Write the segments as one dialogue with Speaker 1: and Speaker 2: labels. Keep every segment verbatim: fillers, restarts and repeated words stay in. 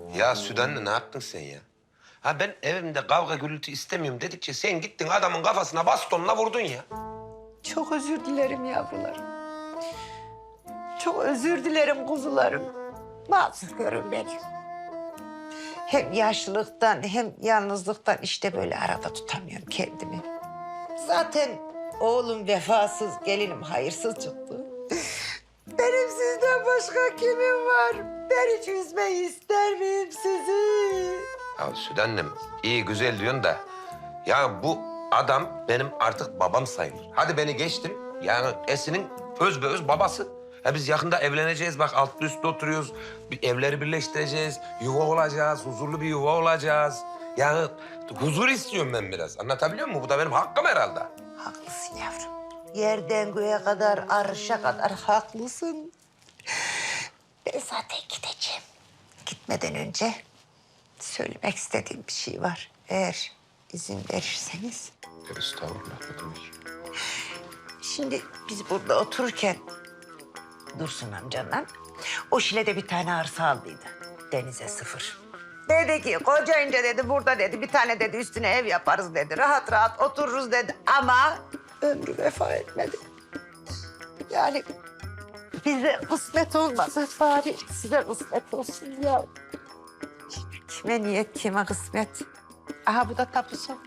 Speaker 1: Ya Süden'le ne yaptın sen ya? Ha ben evimde kavga gürültü istemiyorum dedikçe sen gittin adamın kafasına bastonla vurdun ya.
Speaker 2: Çok özür dilerim yavrularım. Çok özür dilerim kuzularım. Mazlurum benim. Hem yaşlılıktan hem yalnızlıktan işte böyle arada tutamıyorum kendimi. Zaten oğlum vefasız, gelinim hayırsız çıktı. Benim sizden başka kimim var? Ben hiç üzmeyi ister miyim sizi?
Speaker 1: Ya Süden'le iyi güzel diyorsun da... ...ya bu adam benim artık babam sayılır. Hadi beni geçtim. Yani Esin'in öz be öz babası. Ya biz yakında evleneceğiz. Bak altlı üstlü oturuyoruz. Bir evleri birleştireceğiz. Yuva olacağız. Huzurlu bir yuva olacağız. Yani huzur istiyorum ben biraz. Anlatabiliyor muyum? Bu da benim hakkım herhalde.
Speaker 2: Haklısın yavrum. Yerden göğe kadar, arşa kadar haklısın. Ben zaten gideceğim. Gitmeden önce söylemek istediğim bir şey var. Eğer izin verirseniz.
Speaker 1: Estağfurullah. Ne demek?
Speaker 2: Şimdi biz burada otururken Dursun amcanla o Şile'de bir tane arsa aldıydı. Denize sıfır. Dedi ki kocayınca dedi burada dedi bir tane dedi üstüne ev yaparız dedi. Rahat rahat otururuz dedi ama ömrü vefa etmedi. Yani bize kısmet olmadı. Bari size kısmet olsun ya. Kime niyet kime kısmet. Aha bu da tapusu.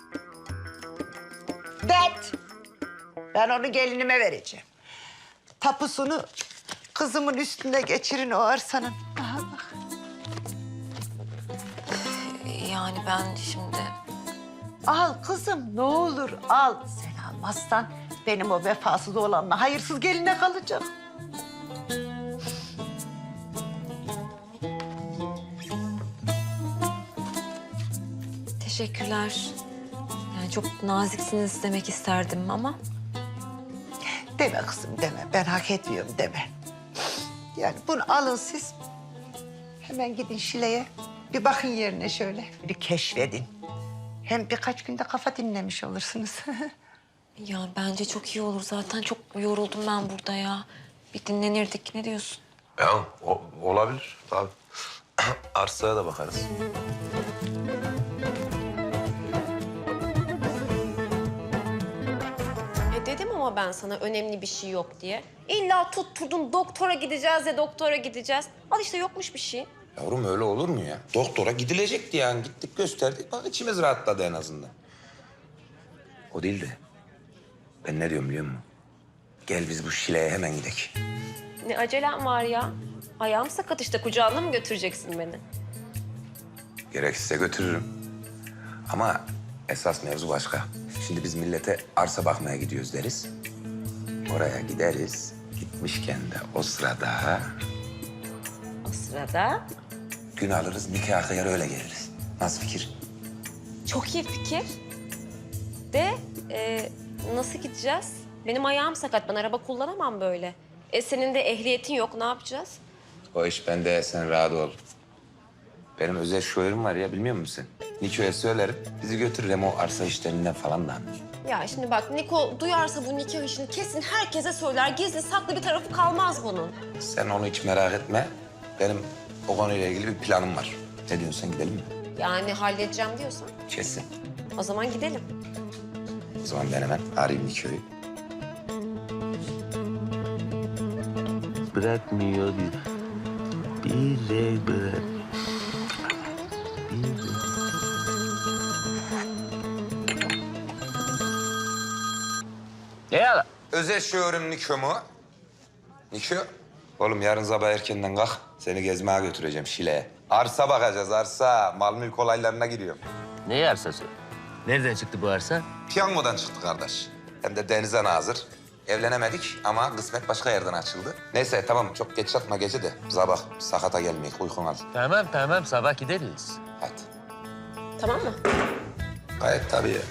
Speaker 2: Det. Ben onu gelinime vereceğim. Tapusunu kızımın üstünde geçirin o arsanın. Aha bak.
Speaker 3: Yani ben şimdi...
Speaker 2: Al kızım ne olur al. Sen almazsan benim o vefasız olanla hayırsız geline kalacak.
Speaker 3: Teşekkürler. Yani çok naziksiniz demek isterdim ama...
Speaker 2: Deme kızım deme. Ben hak etmiyorum deme. Yani bunu alın siz. Hemen gidin Şile'ye. Bir bakın yerine şöyle. Bir keşfedin. Hem birkaç günde kafa dinlemiş olursunuz.
Speaker 3: Ya bence çok iyi olur. Zaten çok yoruldum ben burada ya. Bir dinlenirdik. Ne diyorsun?
Speaker 1: Ya o, olabilir tabii. Arsaya da bakarız.
Speaker 4: E dedim ama ben sana önemli bir şey yok diye. İlla tutturdun doktora gideceğiz ya doktora gideceğiz. Al işte yokmuş bir şey.
Speaker 1: Yavrum öyle olur mu ya? Doktora gidilecekti yani. Gittik gösterdik. Bak içimiz rahatladı en azından. O değil de ben ne diyorum biliyor musun? Gel biz bu Şile'ye hemen gidelim.
Speaker 4: Ne acelem var ya. Ayağım sakat işte kucağına mı götüreceksin beni?
Speaker 1: Gerekirse götürürüm. Ama esas mevzu başka. Şimdi biz millete arsa bakmaya gidiyoruz deriz. Oraya gideriz. Gitmişken de o sırada
Speaker 4: O sırada
Speaker 1: gün alırız, nikah kıyar öyle geliriz. Nasıl fikir?
Speaker 4: çok iyi fikir. De e, nasıl gideceğiz? Benim ayağım sakat. Ben araba kullanamam böyle. E senin de ehliyetin yok. Ne yapacağız?
Speaker 1: O iş bende, sen rahat ol. Benim özel şoförüm var ya, bilmiyor musun sen? Niko'ya söylerim, bizi götürür hem o arsa işlerinden falan da anlar.
Speaker 4: Ya şimdi bak Niko duyarsa bu nikah işini kesin herkese söyler. Gizli saklı bir tarafı kalmaz bunun.
Speaker 1: Sen onu hiç merak etme. Benim o konuyla ilgili bir planım var. Ne diyorsun, sen gidelim mi?
Speaker 4: Yani halledeceğim diyorsan.
Speaker 1: Kesin.
Speaker 4: O zaman gidelim.
Speaker 1: O zaman ben hemen arayayım Niko'yu.
Speaker 5: Bırakmıyor diyor. Bize bırak. Bize. Ne ya?
Speaker 1: Özel şoförüm Niko mu? Niko? Oğlum yarın sabah erkenden kalk. Seni gezmeye götüreceğim Şile'ye. Arsa bakacağız, arsa. Mal mülk olaylarına giriyorum.
Speaker 5: Ne arsası? Nereden çıktı bu arsa?
Speaker 1: Piyangodan çıktı kardeş. Hem de denize nazır. Evlenemedik ama kısmet başka yerden açıldı. Neyse tamam, çok geç yatma gece de. Sabah sakata gelmeyek, uykun al.
Speaker 5: Tamam tamam sabah gideriz.
Speaker 1: Hadi.
Speaker 4: Tamam mı?
Speaker 1: Gayet tabii ya.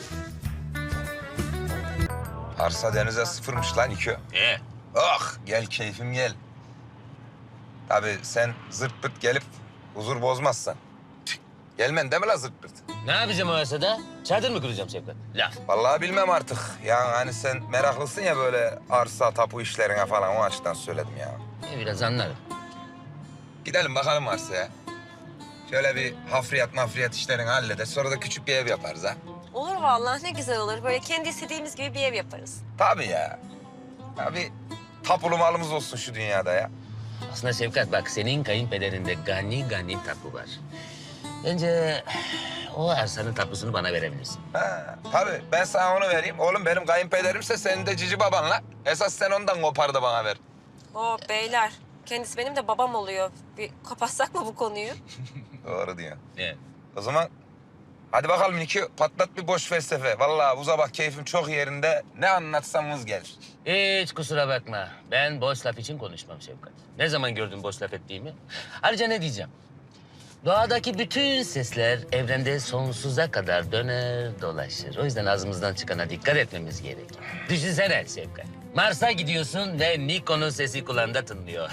Speaker 1: Arsa denize sıfırmış lan iki.
Speaker 5: E?
Speaker 1: Oh gel keyfim gel. Tabii sen zırt pırt gelip huzur bozmazsan. Gelmen değil mi la zırt pırt?
Speaker 5: Ne yapacağım o arsada? Çadır mı kuracağım Şevkat? Laf.
Speaker 1: Vallahi bilmem artık. Yani hani sen meraklısın ya böyle arsa, tapu işlerine falan, o açıdan söyledim ya.
Speaker 5: E, biraz anlarım.
Speaker 1: Gidelim bakalım arsaya. Şöyle bir hafriyat mafriyat işlerini halleder. Sonra da küçük bir ev yaparız ha.
Speaker 4: Olur vallahi, ne güzel olur. Böyle kendi istediğimiz gibi bir ev yaparız.
Speaker 1: Tabii ya. Tabii tapulu malımız olsun şu dünyada ya.
Speaker 5: Aslında Şefkat bak senin kayınpederinde gani gani tapu var. Bence o arsanın tapusunu bana verebilirsin.
Speaker 1: Ha, tabii ben sana onu vereyim. Oğlum benim kayınpederimse senin de cici babanla. Esas sen ondan kopar da bana ver.
Speaker 4: Oo beyler, kendisi benim de babam oluyor. Bir kapatsak mı bu konuyu?
Speaker 1: Doğru diyorsun.
Speaker 5: Ne?
Speaker 1: O zaman hadi bakalım Niki patlat bir boş felsefe. Vallahi bu sabah keyfim çok yerinde. Ne anlatsam vız gelir.
Speaker 5: Hiç kusura bakma. Ben boş laf için konuşmam Şefkat. Ne zaman gördün boş laf ettiğimi? Ayrıca ne diyeceğim? Doğadaki bütün sesler evrende sonsuza kadar döner dolaşır. O yüzden ağzımızdan çıkana dikkat etmemiz gerekir. Düşünsene Şefkat. Mars'a gidiyorsun ve Niko'nun sesi kulağında tınlıyor.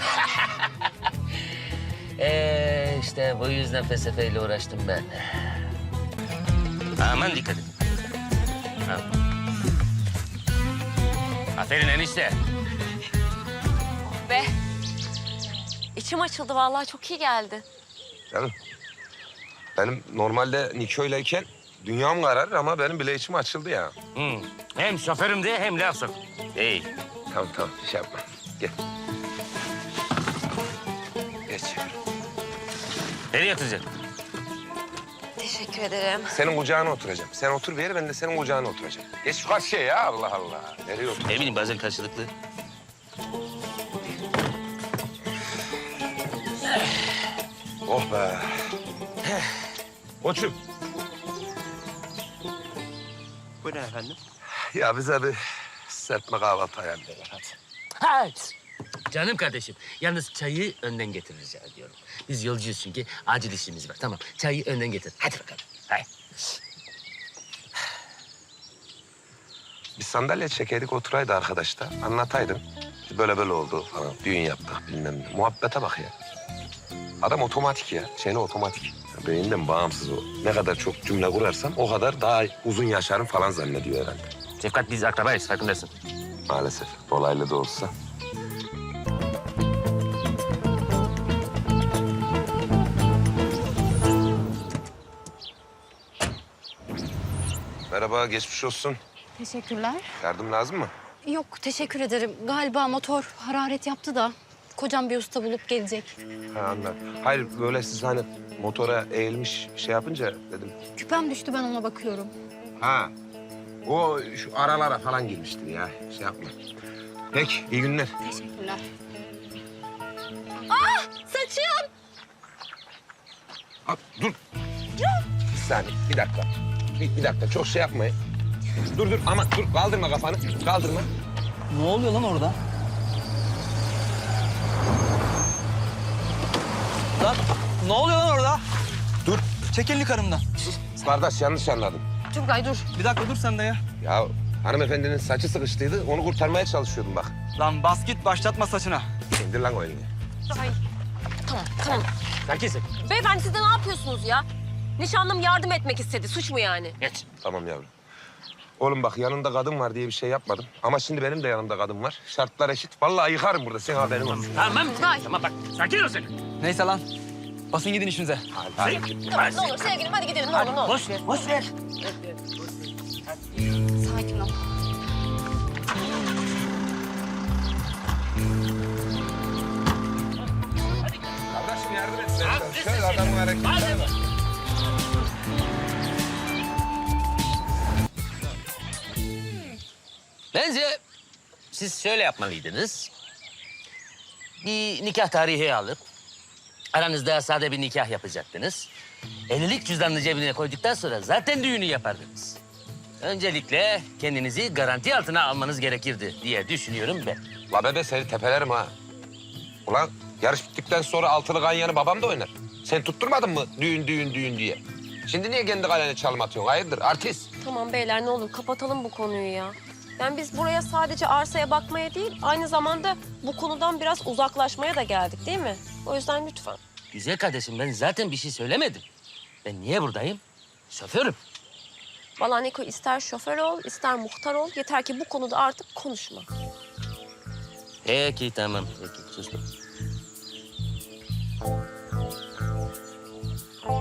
Speaker 5: ee, işte bu yüzden felsefeyle uğraştım ben. Aman dikkat et. Ha. Aferin enişte.
Speaker 4: Be. İçim açıldı vallahi, çok iyi geldi.
Speaker 1: Canım benim normalde Niko'yleyken dünyam kararır ama benim bile içim açıldı ya.
Speaker 5: Hı. Hem şoförüm de hem laf sok. İyi.
Speaker 1: Tamam tamam şey yapma. Gel. Geç.
Speaker 5: Nereye yatacaksın?
Speaker 4: Teşekkür ederim.
Speaker 1: Senin kucağına oturacağım. Sen otur bir yere ben de senin kucağına oturacağım. Geç şu karşıya ya Allah Allah. Nereye otur?
Speaker 5: Ne bileyim bazen karşılıklı.
Speaker 1: Oh be. Koçum.
Speaker 5: Buyurun efendim.
Speaker 1: Ya bize bir serpme kahvaltı ayarlayalım hadi.
Speaker 5: Ha. Canım kardeşim, yalnız çayı önden getir rica ediyorum. Biz yolcuyuz çünkü acil işimiz var. Tamam, çayı önden getir. Hadi bakalım. Haydi.
Speaker 1: Bir sandalye çekerdik oturaydı arkadaş da anlataydım. Böyle böyle oldu falan. Düğün yaptık bilmem ne. Muhabbete bak ya. Adam otomatik ya. Şeyle otomatik. Beyinden bağımsız o. Ne kadar çok cümle kurarsam o kadar daha uzun yaşarım falan zannediyor herhalde.
Speaker 5: Şefkat biz akrabayız, farkındasın.
Speaker 1: Maalesef. Dolaylı da olsa. Merhaba, geçmiş olsun.
Speaker 6: Teşekkürler.
Speaker 1: Yardım lazım mı?
Speaker 6: Yok, teşekkür ederim. Galiba motor hararet yaptı da kocam bir usta bulup gelecek.
Speaker 1: Ha anladım. Hayır, böyle siz hani motora eğilmiş şey yapınca dedim.
Speaker 6: Küpem düştü, ben ona bakıyorum.
Speaker 1: Ha, o şu aralara falan girmiştir ya. Şey yapma. Peki, iyi günler.
Speaker 6: Teşekkürler. Ah, saçım!
Speaker 1: Ha, dur. Bir saniye, bir dakika. Bir, bir dakika, çok şey yapmayın. Dur dur ama dur, kaldırma kafanı. Kaldırma.
Speaker 7: Ne oluyor lan orada? Lan ne oluyor lan orada?
Speaker 1: Dur.
Speaker 7: Çek elini karımdan.
Speaker 1: Kardeş yanlış anladın.
Speaker 6: Turgay dur.
Speaker 7: Bir dakika dur sen de ya.
Speaker 1: Ya hanımefendinin saçı sıkıştıydı, onu kurtarmaya çalışıyordum bak.
Speaker 7: Lan bas git başlatma saçına.
Speaker 1: İndir lan o elini.
Speaker 4: Ay. Tamam, tamam.
Speaker 5: Sakin sakin.
Speaker 4: Beyefendi siz de ne yapıyorsunuz ya? Nişanlım yardım etmek istedi. Suç mu yani?
Speaker 5: Geç.
Speaker 1: Tamam yavrum. Oğlum bak yanında kadın var diye bir şey yapmadım. Ama şimdi benim de yanımda kadın var. Şartlar eşit. Vallahi yıkarım burada. Senin haberin olsun.
Speaker 5: Tamam. Tamam bak, sakin ol sen.
Speaker 7: Neyse lan. Basın gidin işinize.
Speaker 1: Hadi, hadi.
Speaker 4: Tamam, ne olur sevgilim hadi gidelim. Ne olur ne olur.
Speaker 5: Boş ver, boş ver.
Speaker 6: Sakin ol.
Speaker 1: Kardeşim yardım et. sen. Şöyle adamın hareketlerine bak.
Speaker 5: Bence siz şöyle yapmalıydınız. Bir nikah tarihi alıp aranızda sade bir nikah yapacaktınız. Evlilik cüzdanını cebine koyduktan sonra zaten düğünü yapardınız. Öncelikle kendinizi garanti altına almanız gerekirdi diye düşünüyorum ben.
Speaker 1: La bebe seni tepelerim ha. Ulan yarış bittikten sonra altılı ganyanı babam da oynar. Sen tutturmadın mı düğün düğün düğün diye? Şimdi niye kendi kalene çalım atıyorsun? Hayırdır artist?
Speaker 4: Tamam beyler ne olur kapatalım bu konuyu ya. Yani biz buraya sadece arsaya bakmaya değil, aynı zamanda bu konudan biraz uzaklaşmaya da geldik değil mi? O yüzden lütfen.
Speaker 5: Güzel kardeşim ben zaten bir şey söylemedim. Ben niye buradayım? Şoförüm.
Speaker 4: Vallahi Niko ister şoför ol, ister muhtar ol. Yeter ki bu konuda artık konuşma.
Speaker 5: Peki tamam. Peki sustum.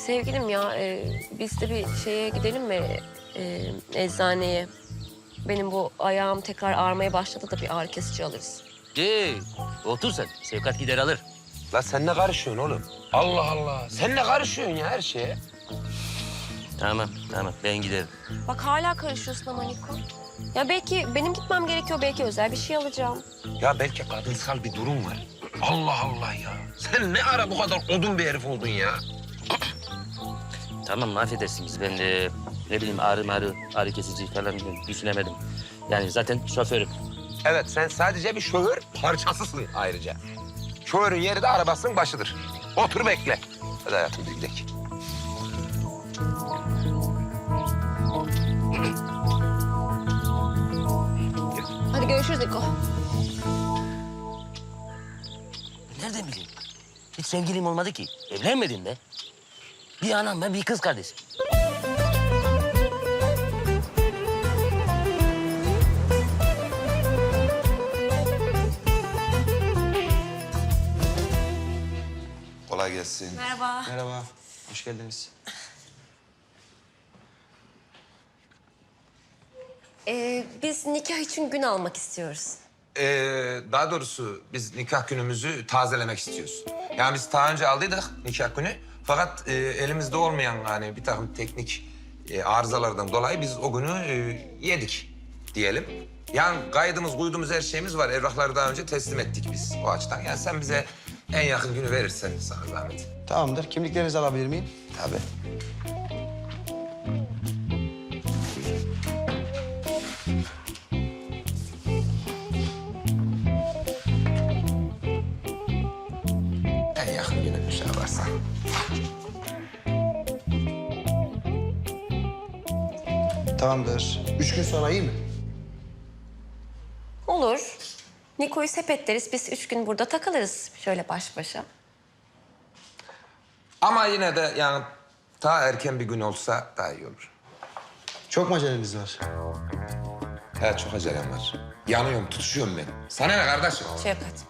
Speaker 4: Sevgilim ya, e, biz de bir şeye gidelim mi? E, eczaneye. Benim bu ayağım tekrar ağrımaya başladı da bir ağrı kesici alırız.
Speaker 5: Ee, otur sen. Şefkat gider alır.
Speaker 1: La sen ne karışıyorsun oğlum? Allah Allah. Sen ne karışıyorsun ya her şeye?
Speaker 5: Tamam, tamam. Ben giderim.
Speaker 4: Bak hala karışıyorsun ama Niko. Ya belki benim gitmem gerekiyor, belki özel bir şey alacağım.
Speaker 1: Ya belki kadınsal bir durum var. Allah Allah ya. Sen ne ara bu kadar odun bir herif oldun ya?
Speaker 5: Tamam, affedersiniz. Ben de ne bileyim ağrı marı, ağrı kesici falan düşünemedim. Yani zaten şoförüm.
Speaker 1: Evet, sen sadece bir şoför parçasısın ayrıca. Şoförün yeri de arabasının başıdır. Otur bekle. Hadi hayatım bir gidelim.
Speaker 4: Hadi görüşürüz Niko.
Speaker 5: Nereden bileyim? Hiç sevgilim olmadı ki. Evlenmedim be. Bir anam ben, bir kız kardeşim.
Speaker 1: Kolay gelsin.
Speaker 4: Merhaba.
Speaker 7: Merhaba. Hoş geldiniz.
Speaker 4: Ee, biz nikah için gün almak istiyoruz.
Speaker 1: Ee, daha doğrusu biz nikah günümüzü tazelemek istiyoruz. Yani biz daha önce aldıydık nikah günü. Fakat e, elimizde olmayan yani bir takım teknik e, arızalardan dolayı biz o günü e, yedik diyelim. Yani kaydımız, kuydumuz, her şeyimiz var. Evrakları daha önce teslim ettik biz o açıdan. Yani sen bize en yakın günü verirsen sana zahmet.
Speaker 8: Tamamdır. Kimliklerinizi alabilir miyim?
Speaker 1: Tabii. En yakın günü şey yaparsan.
Speaker 8: Tamamdır. Üç gün sonra iyi mi?
Speaker 4: Olur. Niko'yu sepetleriz, biz üç gün burada takılırız şöyle baş başa.
Speaker 1: Ama yine de yani daha erken bir gün olsa daha iyi olur.
Speaker 8: Çok mu aceleniz var?
Speaker 1: He çok acelem var. Yanıyorum, tutuşuyorum ben. Sana ne kardeşim?
Speaker 4: Şefkat.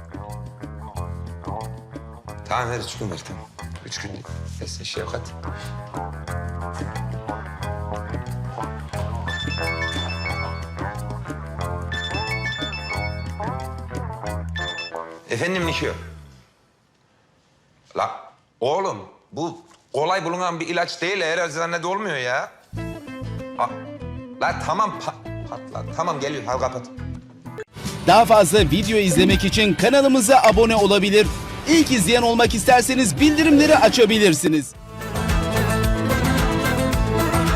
Speaker 1: Tamam ver üç gün ver tamam. Üç gün desin Şevkat. Efendim Nikio. La oğlum bu kolay bulunan bir ilaç değil. Her eczanede olmuyor ya. Ha, la tamam pa patla. Tamam geliyor. Hadi kapat.
Speaker 9: Daha fazla video izlemek için kanalımıza abone olabilir. İlk izleyen olmak isterseniz bildirimleri açabilirsiniz.